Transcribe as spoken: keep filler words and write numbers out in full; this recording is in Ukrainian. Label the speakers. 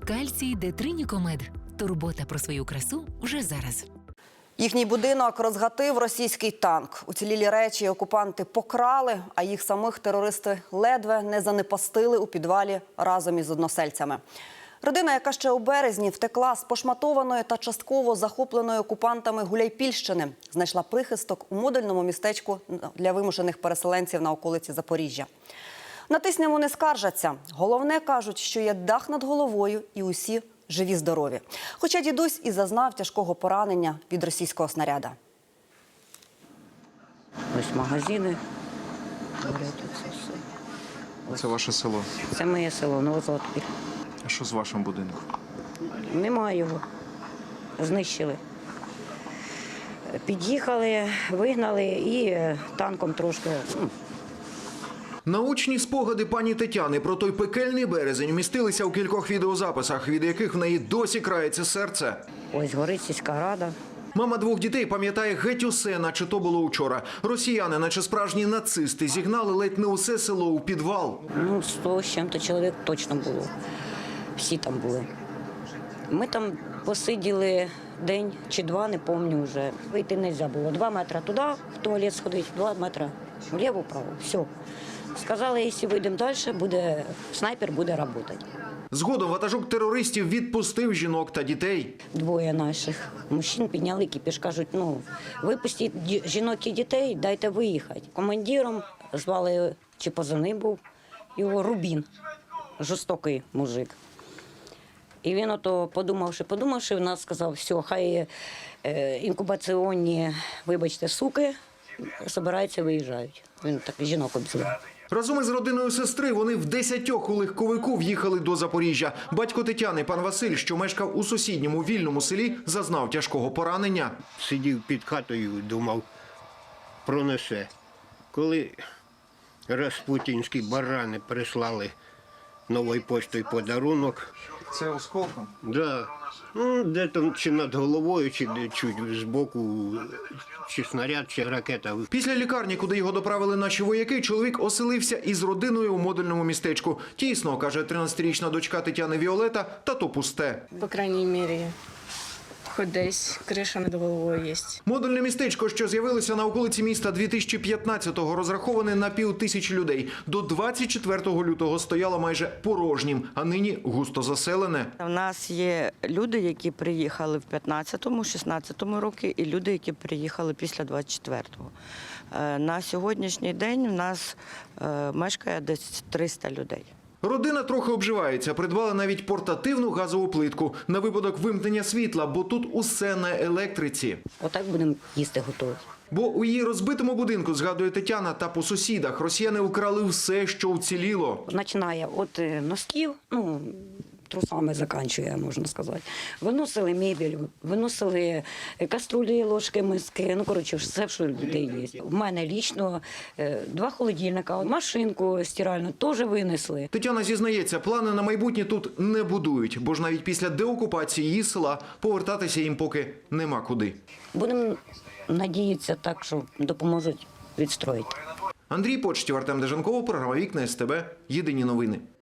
Speaker 1: Кальцій Детринікомед. Турбота про свою красу вже зараз.
Speaker 2: Їхній будинок розгатив російський танк. Уцілілі речі окупанти покрали, а їх самих терористи ледве не занепастили у підвалі разом із односельцями. Родина, яка ще у березні втекла з пошматованої та частково захопленої окупантами Гуляйпільщини, знайшла прихисток у модульному містечку для вимушених переселенців на околиці Запоріжжя. На тисняву не скаржаться. Головне, кажуть, що є дах над головою і усі живі-здорові. Хоча дідусь і зазнав тяжкого поранення від російського снаряда.
Speaker 3: Ось магазини.
Speaker 4: Це ваше село.
Speaker 3: Це моє село, Новозлатопіль.
Speaker 4: А що з вашим будинком?
Speaker 3: Немає його. Знищили. Під'їхали, вигнали і танком трошки. ну,
Speaker 5: Научні спогади пані Тетяни про той пекельний березень вмістилися у кількох відеозаписах, від яких в неї досі крається серце.
Speaker 3: Ось горить сільська рада.
Speaker 5: Мама двох дітей пам'ятає геть усе, наче то було учора. Росіяни, наче справжні нацисти, зігнали ледь не усе село у підвал.
Speaker 3: Ну, сто з чим-то чоловік точно було. Всі там були. Ми там посиділи день чи два, не пам'ятаю вже. Вийти не можна було. Два метри туди, в туалет сходити, два метри вліво-право. Все. Сказали, якщо вийдемо далі, буде, снайпер буде працювати.
Speaker 5: Згодом ватажок терористів відпустив жінок та дітей.
Speaker 3: Двоє наших мужчин підняли кіпіш, кажуть, ну, випустіть ді- жінок і дітей, дайте виїхати. Командиром звали, чи позивний був, його Рубін, жорстокий мужик. І він ото, подумавши, подумавши, в нас сказав, все, хай е, інкубаційні, вибачте, суки, збираються, виїжджають. Він так жінок обзивав.
Speaker 5: Разом із родиною сестри вони в десятьох у легковику в'їхали до Запоріжжя. Батько Тетяни, пан Василь, що мешкав у сусідньому вільному селі, зазнав тяжкого поранення.
Speaker 6: Сидів під хатою, думав, пронесе. Коли распутінські барани прислали новою поштою подарунок,
Speaker 4: Це осколком?
Speaker 6: да, ну, де там чи над головою, чи де чуть збоку, чи снаряд, чи ракета.
Speaker 5: Після лікарні, куди його доправили наші вояки, чоловік оселився із родиною у модульному містечку. Тісно, каже тринадцятирічна дочка Тетяни Віолета, та то пусте.
Speaker 7: По крайній мірі, хоч десь криша над головою є.
Speaker 5: Модульне містечко, що з'явилося на околиці міста дві тисячі п'ятнадцятого, розраховане на пів тисячі людей. До двадцять четвертого лютого стояло майже порожнім, а нині густо заселене.
Speaker 8: У нас є люди, які приїхали в п'ятнадцятому, шістнадцятому роки, і люди, які приїхали після двадцять четвертого. Е, На сьогоднішній день у нас е, мешкає десь триста людей.
Speaker 5: Родина трохи обживається, придбала навіть портативну газову плитку на випадок вимкнення світла, бо тут усе на електриці.
Speaker 3: Отак будемо їсти готувати.
Speaker 5: Бо у її розбитому будинку, згадує Тетяна, та по сусідах росіяни украли все, що вціліло.
Speaker 3: Починає від е, носків, ну, трусами закінчує, можна сказати. Виносили мебель, виносили каструлі, ложки, миски, ну, коротше, все, що у людей є. В мене лічно е, два холодильника, машинку стиральну теж винесли.
Speaker 5: Тетяна зізнається, плани на майбутнє тут не будують, бо ж навіть після деокупації її села повертатися їм поки нема куди.
Speaker 3: Будемо надіятися так, що допоможуть відстроїти.
Speaker 5: Андрій Почтів, Артем Деженков, програма «Вікна СТБ». Єдині новини.